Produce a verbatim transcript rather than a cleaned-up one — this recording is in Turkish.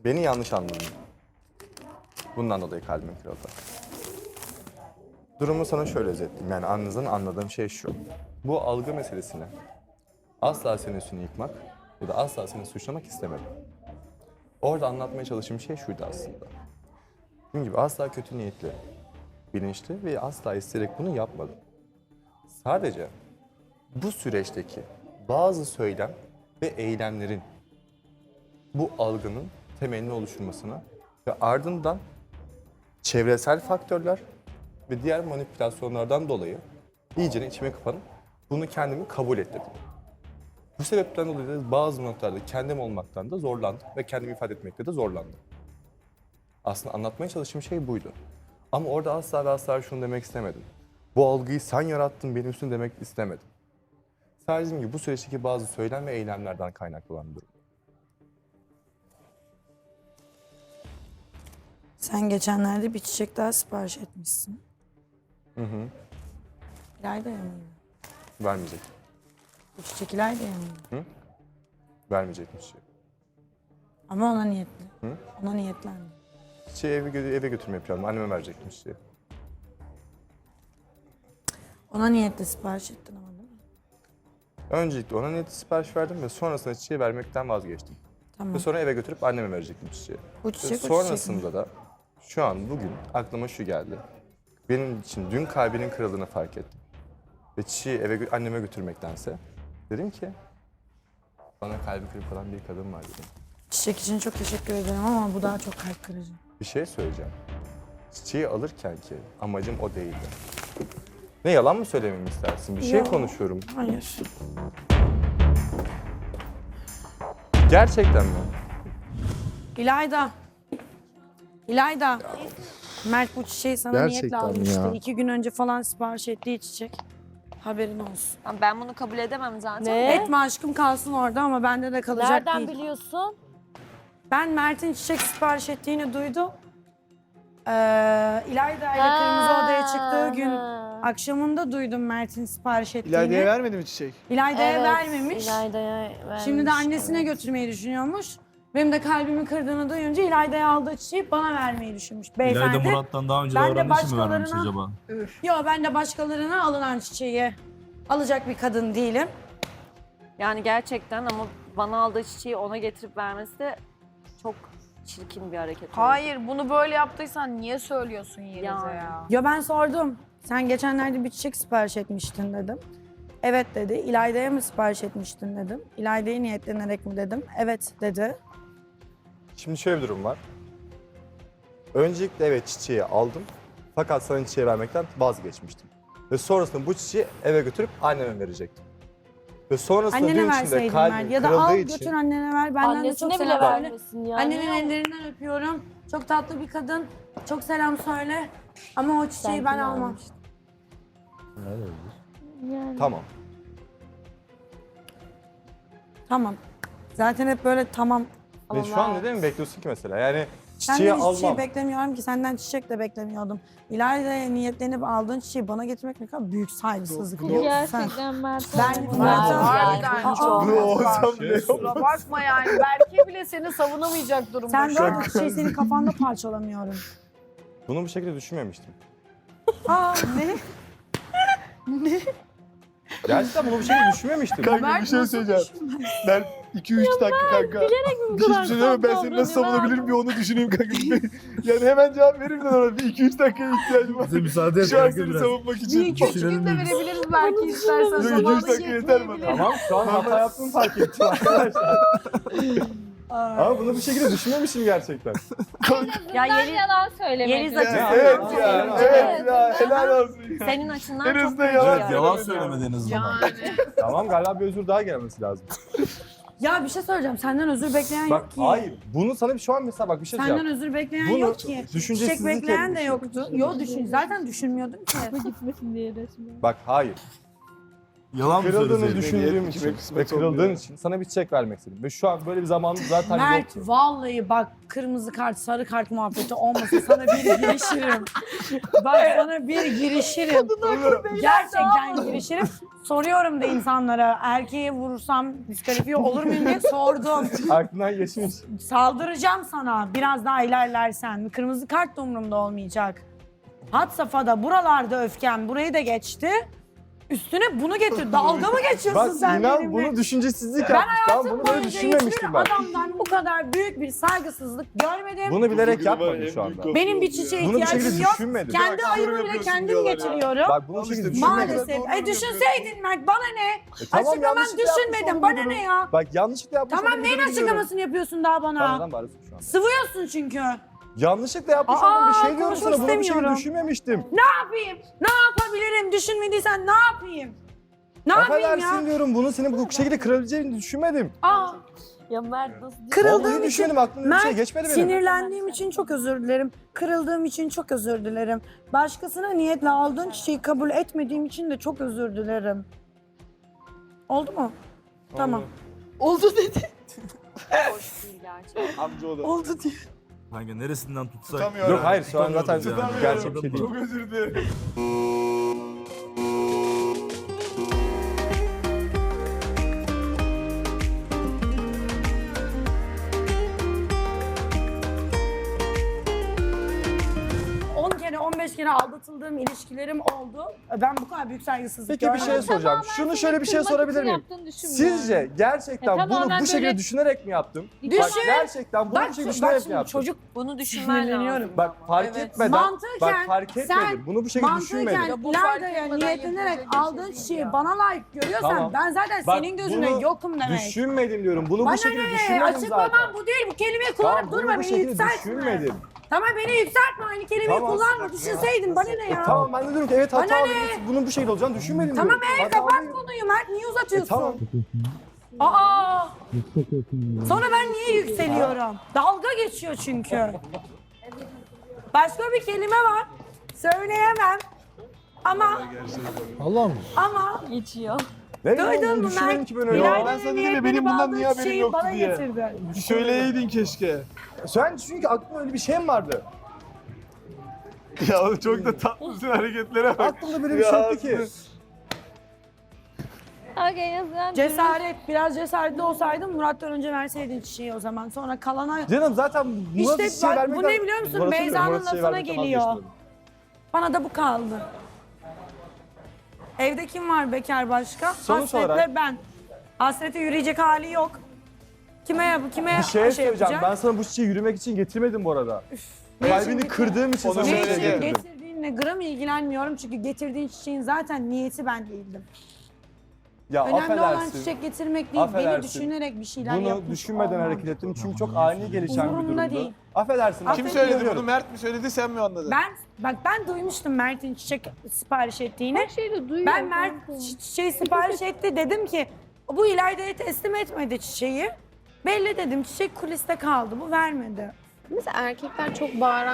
Beni yanlış anladın. Bundan dolayı kalbim kırıldı. Durumu sana şöyle özetleyeyim. Yani anınızdan anladığım şey şu. Bu algı meselesini asla senin üstünü yıkmak ya da asla seni suçlamak istemedim. Orada anlatmaya çalıştığım şey şuydu aslında. Dediğim gibi asla kötü niyetli, bilinçli ve asla isteyerek bunu yapmadım. Sadece bu süreçteki bazı söylem ve eylemlerin bu algının temelini oluşturmasına ve ardından çevresel faktörler ve diğer manipülasyonlardan dolayı iyice içime kapanıp bunu kendimi kabul ettirdim. Bu sebepten dolayı da bazı noktalarda kendim olmaktan da zorlandım ve kendimi ifade etmekte de zorlandım. Aslında anlatmaya çalıştığım şey buydu. Ama orada asla ve asla şunu demek istemedim. Bu algıyı sen yarattın, benim üstüne demek istemedim. Sadece dediğim gibi bu süreçteki bazı söylem ve eylemlerden kaynaklı olan bir durum. Sen geçenlerde bir çiçek daha sipariş etmişsin. Hı hı. İlayda'ya mıydı? Vermeyecek. Bu çiçek İlayda'ya mıydı? Vermeyecekmiş. Ama ona niyetli. Hı? Ona niyetlendi. Çiçeği eve, gö- eve götürmeyi planladım. Anneme verecekmiş diye. Ona niyetli sipariş ettin ama değil mi? Öncelikle ona niyeti sipariş verdim ve sonrasında çiçeği vermekten vazgeçtim. Tamam. Ve sonra eve götürüp anneme verecektim çiçeği. Bu Ve çiçek o çiçek mi? sonrasında da şu an bugün aklıma şu geldi. Benim için dün kalbinin kırıldığını fark ettim. Ve çiçeği eve gö- anneme götürmektense dedim ki bana kalbi kırık olan bir kadın var dedim. Çiçek için çok teşekkür ederim ama bu daha çok kalp kırıcı. Bir şey söyleyeceğim. Çiçeği alırken ki amacım o değildi. Ne yalan mı söylememi istersin? Bir şey Yok. konuşuyorum. Hayır. Gerçekten mi? İlayda. İlayda. Mert bu çiçeği sana niyetle Gerçekten almıştı. ya. İki gün önce falan sipariş ettiği çiçek. Haberin olsun. Ama ben bunu kabul edemem zaten. Ne? Etme aşkım kalsın orada ama bende de kalacak Nereden değil. biliyorsun? Ben Mert'in çiçek sipariş ettiğini duydum. Ee, İlayda ile Kırmızı Oda'ya çıktığı gün ha. akşamında duydum Mert'in sipariş ettiğini. İlayda'ya vermedi mi çiçek? İlayda'ya Evet, vermemiş. İlayda'ya vermiş. Şimdi de annesine evet. götürmeyi düşünüyormuş. Benim de kalbimi kırdığını duyunca İlayda'ya aldığı çiçeği bana vermeyi düşünmüş. Beyefendi. İlayda Murat'tan daha önce ben de davrandığı için mi vermemiş başkalarına- acaba? Yo ben de başkalarına alınan çiçeği alacak bir kadın değilim. Yani gerçekten ama bana aldığı çiçeği ona getirip vermesi de çok çirkin bir hareket oldu. Hayır, bunu böyle yaptıysan niye söylüyorsun Yeliz'e Yani. ya? Ya ben sordum. Sen geçenlerde bir çiçek sipariş etmiştin dedim. Evet dedi. İlayda'ya mı sipariş etmiştin dedim. İlayda'ya niyetlenerek mi dedim. Evet dedi. Şimdi şöyle bir durum var. Öncelikle evet çiçeği aldım. Fakat sana çiçeği vermekten vazgeçmiştim. Ve sonrasında bu çiçeği eve götürüp anneme verecektim. Ve sonrasında Annene gün içinde verseydin kalbim Mert. Ya da kırıldığı al için... götür annene ver. Benden de Annesine çok bile selam söyle. vermesin ya. Annenin ellerinden öpüyorum. Çok tatlı bir kadın. Çok selam söyle. Ama o çiçeği Belki ben de almam. almıştır. Yani. Tamam. Tamam. Zaten hep böyle tamam. Ve Ama şu an Mert- neden mi bekliyorsun ki mesela? Yani Senden çiçeği hiçbir almam. şey beklemiyorum ki. Senden çiçek de beklemiyordum. İlayda'ya niyetlenip aldığın çiçeği bana getirmek ne kadar büyük saygısızlık. biliyor musun sen? Gerçekten Mert. Ben- olmaz. Mert- Harbiden Aa, çok Ne olsam bile yok. Kusura bakma yani. Berke bile seni savunamayacak durumda. Sen şu an. de o çiçeği senin kafanda parçalamıyorum. Bunu bu şekilde düşünmemiştim. Aa ne? Gerçekten bunu bu şekilde düşünmemiştim. Kanka bir şey söyleyeceğim. Ben iki üç dakika kanka. Hiçbir şey demem, ben seni nasıl savunabilirim bir onu düşüneyim kanka. Yani hemen cevap veririm de ona bir iki üç dakikaya ihtiyacım var. Bize müsaade et Şu an kanka seni biraz. savunmak Bir için. iki üç gün de verebiliriz belki istersen. Yok, iki üç Zamanı dakika yeter bana. yetmeyebilir. Tamam şu an hata yaptığımı fark ettim arkadaşlar. Ama bunu bu şekilde düşünmemişim gerçekten. Ya Yeliz, yalan söylemek. Yeliz Ya, açısından evet çok ya, iyi. evet ya, helal olsun ya. Senin açından En çok azından kötü yalan ya. Evet yalan söylemedi en azından. Yani. Tamam galiba bir özür daha gelmesi lazım. Ya bir şey söyleyeceğim. Senden özür bekleyen Bak yok ki. hayır bunu sana şu an mesela bak bir şey Senden diyeceğim. özür bekleyen Bunu yok ki. Çiçek düşüncesizlik bekleyen de etmişim. yoktu. Yo düşün. Zaten düşünmüyordum ki. Gitmesin diye resmen. Bak hayır. Yalan mı Kırıldığını söyleseydin? düşündüğüm Kime için kısmet ve kırıldığın olmuyor. için sana bir çiçek vermek istedim. Ve şu an böyle bir zamanım zaten Mert yoktu. vallahi bak kırmızı kart sarı kart muhabbeti olmasa sana bir girişirim. Bak sana bir girişirim. Gerçekten girişirim. Soruyorum da insanlara erkeğe vurursam diskalifiye olur muyum diye sordum. Aklından geçmiş. Saldıracağım sana biraz daha ilerlersen. Kırmızı kart da umurumda olmayacak. Had safhada buralarda öfkem burayı da geçti. Üstüne bunu getir. Dalga mı geçiyorsun Bak sen inan benimle? bunu düşüncesizlik Ben yapmış. Tamam hayatım bunu böyle boyunca düşünmemiştim hiçbir ben. adamdan bu kadar büyük bir saygısızlık görmedim. Bunu bilerek Bugün var, yapmadım en şu büyük anda. laf Benim bir oldu ya. çiçeğe Bunu bir ihtiyacım şekilde yok. düşünmedim. Kendi Bak, ayımı yorum bile yapıyorsun kendim diyorlar ya. getiriyorum. Bak bunu Al şekilde işte, düşünmedim. Maalesef. Doğru E yorum düşünseydin Mert bana ne? E, tamam, Açıklaman yanlışlıkla yapmış düşünmedim. Bana olabilirim. ne ya? Bak yanlışlıkla yapmış Tamam neyin olabilirim diyorum. açıklamasını yapıyorsun daha bana? Bana bağırıyorsun şu an. Sıvıyorsun çünkü. Yanlışlıkla yapmış Aa, olduğum bir şey diyorum konuşmak sana. Bunu bir şekilde istemiyorum. düşünmemiştim. Ne yapayım? Ne yapabilirim? Düşünmediysen ne yapayım? Ne yapayım Affedersin ya? diyorum. Bunu senin bu şekilde kırabileceğini düşünmedim. Aa, Ya Mert nasıl kırıldığım Vallahi için düşünmedim. Aklımda bir şey Mert, geçmedi benim. sinirlendiğim için çok özür dilerim. Kırıldığım için çok özür dilerim. Başkasına niyetle aldığın çiçeği kabul etmediğim için de çok özür dilerim. Oldu mu? Tamam. Oldu dedi. hoş değil gerçekten. Amca o da. Oldu diye. Kanka neresinden tutsak? Tutamıyorum. Yok hayır şu an zaten Tutamıyoruz yani. gerçek bir şey değil. Çok özür dilerim. on kere on beş kere aldatıldığım ilişkilerim oldu. Ben bu kadar büyük saygısızlık Peki bir görmedim. şey soracağım. Şunu şöyle bir şey sorabilir miyim? Sizce gerçekten Ya bunu tamamen bu şekilde böyle- düşünerek mi yaptım? Düşün. Bak gerçekten bunu Bak, bu şekilde bak düşünerek mi şimdi yaptım? çocuk Bunu düşünmen Sinirleniyorum. lazım. Bak fark Evet. etmeden, Mantıken bak fark etmedim. sen Bunu bu şekilde düşünmedim. mantıken Bu fark Layda'ya etmeden niyetlenerek yapılacak bir aldığın şey değil çiçeği ya. bana layık görüyorsan Tamam. ben zaten Bak, senin gözüne bunu yokum demek. Düşünmedim diyorum. Bunu Bana bu şekilde ne? düşünmedim Açıklamam zaten. bu değil. Bu kelimeyi kullanıp Tamam bunu durma bu beni şekilde yükseltme. düşünmedim. Tamam beni yükseltme aynı kelimeyi Tamam. kullanma. Düşünseydin bana ne ya? Tamam ben de diyorum ki evet Bana hata ne? bunun bu şekilde olacağını düşünmedim Tamam diyorum. e Hatalıyım. kapat konuyu Mert niye uzatıyorsun? E, tamam. Aa! Sonra ben niye yükseliyorum? Dalga geçiyor çünkü. Başka bir kelime var. Söyleyemem. Ama Allah mı? ama Geçiyor. Ne duydun bileyim, mu düşünmedim Mert? ki ben öyle. İlayda'nın Ben sana dedim ya, niyetlenip benim bundan aldığı niye haberim çiçeği yoktu bana diye. getirdi. Söyleyeydin keşke. Sen çünkü aklında öyle bir şey mi vardı? Ya oğlum çok da tatlısın hareketlere bak. Aklımda böyle bir şey yoktu ki. Okay, en azından Cesaret, biraz cesaretli olsaydım Murat'tan önce verseydin çiçeği o zaman. Sonra kalana Canım zaten Murat'a İşte çiçeği bak, vermekten... bu ne biliyor musun? Murat'a Beyza'nın Murat'a çiçeği lafına vermekten geliyor. vazgeçtim. bana da bu kaldı. Evde kim var bekar başka? Sonuç Hasretle olarak- ben. Hasrete yürüyecek hali yok. Kime yap kime Bir şey şey söyleyeceğim. yapacak? Ben sana bu çiçeği yürümek için getirmedim bu arada. Ne için Kalbini getir- kırdığım için Onu sana bu Ne söyle çiçeği için gel. getirdim. getirdiğinle gram ilgilenmiyorum çünkü getirdiğin çiçeğin zaten niyeti ben değildim. Ya Önemli olan affedersin. çiçek getirmek değil, beni Affedersin. düşünerek bir şeyler Bunu yapmış düşünmeden olman. hareket ettim çünkü çok ani gelişen bir Umurumda durumdu. değil. Affedersin. Kim söyledi Affediyorum. bunu? Mert mi söyledi sen mi anladın? Ben bak ben duymuştum Mert'in çiçek sipariş ettiğini. her şeyi de duyuyor. Ben Mert çi- çiçeği sipariş etti dedim ki bu İlayda'ya teslim etmedi çiçeği. Belli dedim çiçek kuliste kaldı bu vermedi. Mesela erkekler çok bağıran